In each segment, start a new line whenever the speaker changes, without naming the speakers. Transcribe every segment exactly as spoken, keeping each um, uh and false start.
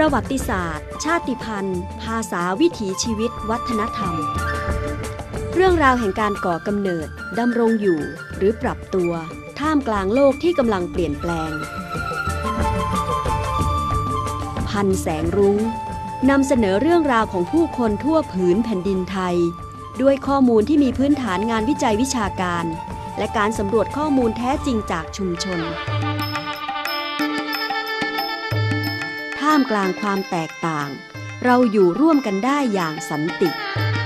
ประวัติศาสตร์ชาติพันธุ์ภาษาวิถีชีวิตวัฒนธรรมเรื่องราวแห่งการก่อกำเนิดดำรงอยู่หรือปรับตัวท่ามกลางโลกที่กำลังเปลี่ยนแปลงพันแสงรุ้งนำเสนอเรื่องราวของผู้คนทั่วผืนแผ่นดินไทยด้วยข้อมูลที่มีพื้นฐานงานวิจัยวิชาการและการสำรวจข้อมูลแท้จริงจากชุมชนท่ามกลางความแตกต่างเราอยู่ร่วมกันได้อย่างสันติ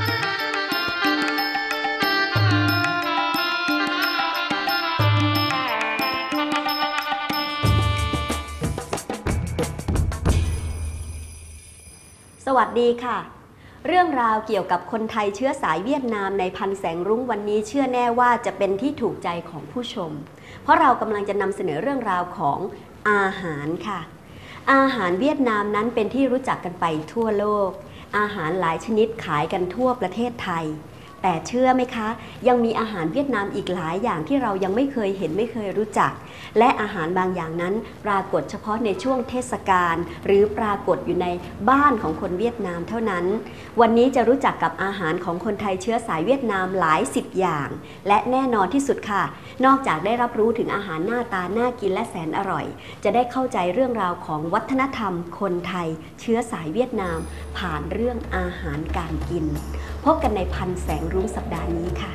สวัสดีค่ะเรื่องราวเกี่ยวกับคนไทยเชื้อสายเวียดนามในพันแสงรุ้งวันนี้เชื่อแน่ว่าจะเป็นที่ถูกใจของผู้ชมเพราะเรากำลังจะนำเสนอเรื่องราวของอาหารค่ะอาหารเวียดนามนั้นเป็นที่รู้จักกันไปทั่วโลกอาหารหลายชนิดขายกันทั่วประเทศไทยแต่เชื่อไหมคะยังมีอาหารเวียดนามอีกหลายอย่างที่เรายังไม่เคยเห็นไม่เคยรู้จักและอาหารบางอย่างนั้นปรากฏเฉพาะในช่วงเทศกาลหรือปรากฏอยู่ในบ้านของคนเวียดนามเท่านั้นวันนี้จะรู้จักกับอาหารของคนไทยเชื้อสายเวียดนามหลายสิบอย่างและแน่นอนที่สุดค่ะนอกจากได้รับรู้ถึงอาหารหน้าตาน่ากินและแสนอร่อยจะได้เข้าใจเรื่องราวของวัฒนธรรมคนไทยเชื้อสายเวียดนามผ่านเรื่องอาหารการกินพบกันในพันแสงรุ้งสัปดาห์นี้ค่ะ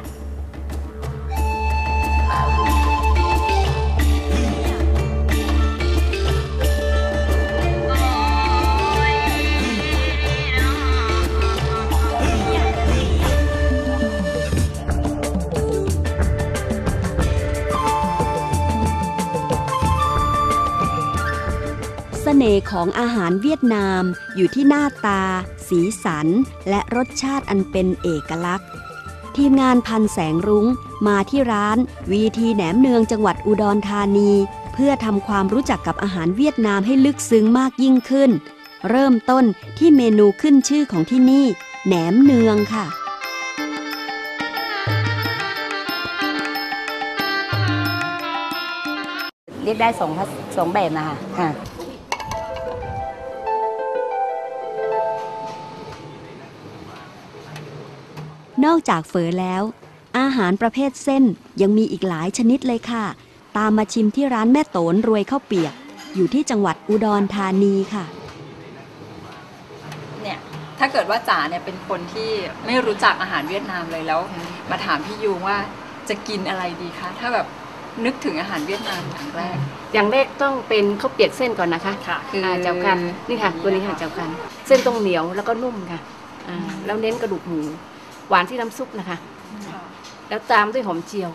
เสน่ห์ของอาหารเวียดนามอยู่ที่หน้าตาสีสันและรสชาติอันเป็นเอกลักษณ์ทีมงานพันแสงรุ้งมาที่ร้านวีทีแหนมเนืองจังหวัดอุดรธานีเพื่อทำความรู้จักกับอาหารเวียดนามให้ลึกซึ้งมากยิ่งขึ้นเริ่มต้นที่เมนูขึ้นชื่อของที่นี่แหนมเนืองค่ะ
เรียกได้สองสองแบบนะคะค่ะ
นอกจากเฝอแล้วอาหารประเภทเส้นยังมีอีกหลายชนิดเลยค่ะตามมาชิมที่ร้านแม่โตนรวยข้าวเปียกอยู่ที่จังหวัดอุดรธานีค่ะ
เนี่ยถ้าเกิดว่าจ๋าเนี่ยเป็นคนที่ไม่รู้จักอาหารเวียดนามเลยแล้วมาถามพี่ยูว่าจะกินอะไรดีคะถ้าแบบนึกถึงอาหารเวียดนามอย่างแรก
อย่างแรกต้องเป็นข้าวเปียกเส้นก่อนนะคะ
ค่ะคือ
เจ้ากันนี่ค่ะตัวนี้ค่ะเจ้ากันเส้นต้องเหนียวแล้วก็นุ่มค่ะแล้วเน้นกระดูกหมูหวานที่น้ำซุปนะคะแล้วตามด้วยหอมเจียว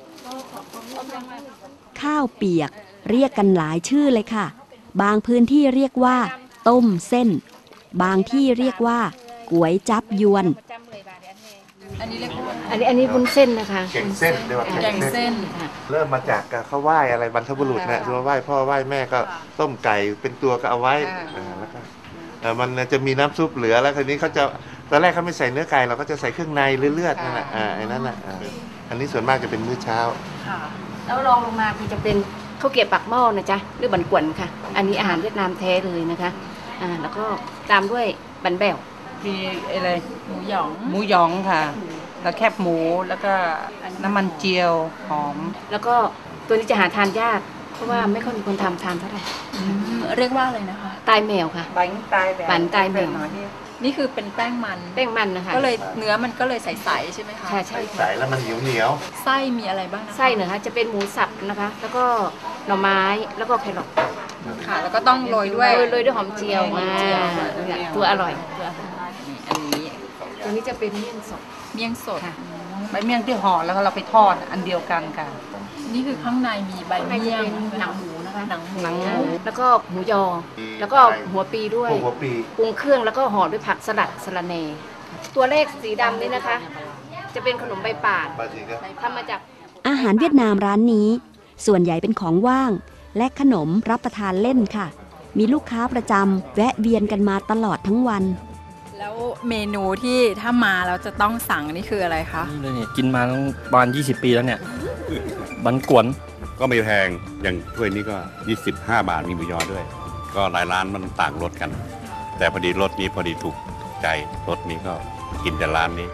ข้าวเปียกเรียกกันหลายชื่อเลยค่ะบางพื้นที่เรียกว่าต้มเส้นบางที่เรียกว่าก๋วยจั๊บยวน
อันนี้เรียกว่า
อันนี้อันนี้วุ้นเส้นนะคะ
แกงเส้นเรียกว่า
แกงเส้น
เริ่มมาจากเขาไหว้อะไรบรรพบุรุษนะคือไหว้พ่อไหว้แม่ก็ต้มไก่เป็นตัวก็เอาไว้แล้วก็มันจะมีน้ำซุปเหลือแล้วทีนี้เขาจะตอนแรกเขาไม่ใส่เนื้อไก่เราก็จะใส่เครื่องในหรือเลือดนั่นแหละอ่าไอ้นั่นแหละอันนี้ส่วนมากจะเป็นมื้อเช้า
แล้วรองลงมาคือจะเป็นข้าวเกรี๊ยวปากหม้อนะจ๊ะหรือบันกวนค่ะอันนี้อาหารเวียดนามแท้เลยนะคะอ่าแล้วก็ตามด้วยบันแบว
มีอะไรหมูหยองหมูหยองค่ะแล้วแคบหมูแล้วก็น้ำมันเจียวหอม
แล้วก็ตัวนี้จะหาทานยากเพราะว่าไม่ค่อยมีคนทำทานเท่าไหร่
เรียกว่าอะไรนะคะ
ตายแมวค่ะ
บันตายแบบ
บันตายแมว
นี่คือเป็นแป้งมัน
แป้งมันนะคะ
ก็เลยเนื้อมันก็เลยใสๆใช่ไหมคะ
ใช่ใช่
ใสแล้วมันเหนียวเหนียว
ไส้มีอะไรบ้าง
ไส้เนื้อจะเป็นหมูสับนะคะแล้วก็หน่อไม้แล้วก็แครอท
ค่ะแล้วก็ต้องโรยด้วย
โรยด้วยหอมเจียวมาตัวอร่อย
อันนี้
ตัวนี้จะเป็นเมี่ยงสด
เมี่ยงสด
ใบเมี่ยงที่ห่อแล้วเราไปทอดอันเดียวกันค่ะ
นี่คือข้างในมีใบเมี่ยง
หนังหมูนะคะ
หนังหมู
แล้วก็หมูยอแล้วก็หัวปีด้วย
หัวปี
ปรุงเครื่องแล้วก็ห่อด้วยผักสลัดสะระแหน่ตัวเลขสีดำนี่นะคะจะเป็นขนมใบป่านทำมาจาก
อาหารเวียดนามร้านนี้ส่วนใหญ่เป็นของว่างและขนมรับประทานเล่นค่ะมีลูกค้าประจำแวะเวียนกันมาตลอดทั้งวัน
แล้วเมนูที่ถ้ามาแล้วจะต้องสั่งนี่คืออะไรคะ
นี่เลยเนี่ยกินมาตั้งประมาณยี่สิบปีแล้วเนี่ยบันกวน
ก็ไม่แพงอย่างถ้วยนี้ก็ยี่สิบห้าบาทมีหมูยอด้วยก็หลายร้านมันต่างรสกัน แต่พอดีรสนี้พอดีถูกใจรสนี้ก็กินแต่ร้านนี้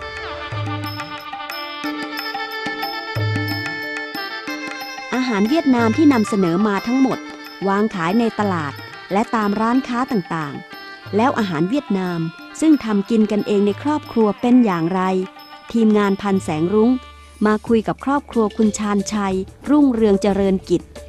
อาหารเวียดนามที่นำเสนอมาทั้งหมดวางขายในตลาดและตามร้านค้าต่างๆแล้วอาหารเวียดนามซึ่งทำกินกันเองในครอบครัวเป็นอย่างไรทีมงานพันแสงรุ้งมาคุยกับครอบครัวคุณชาญชัยรุ่งเรืองเจริญกิจ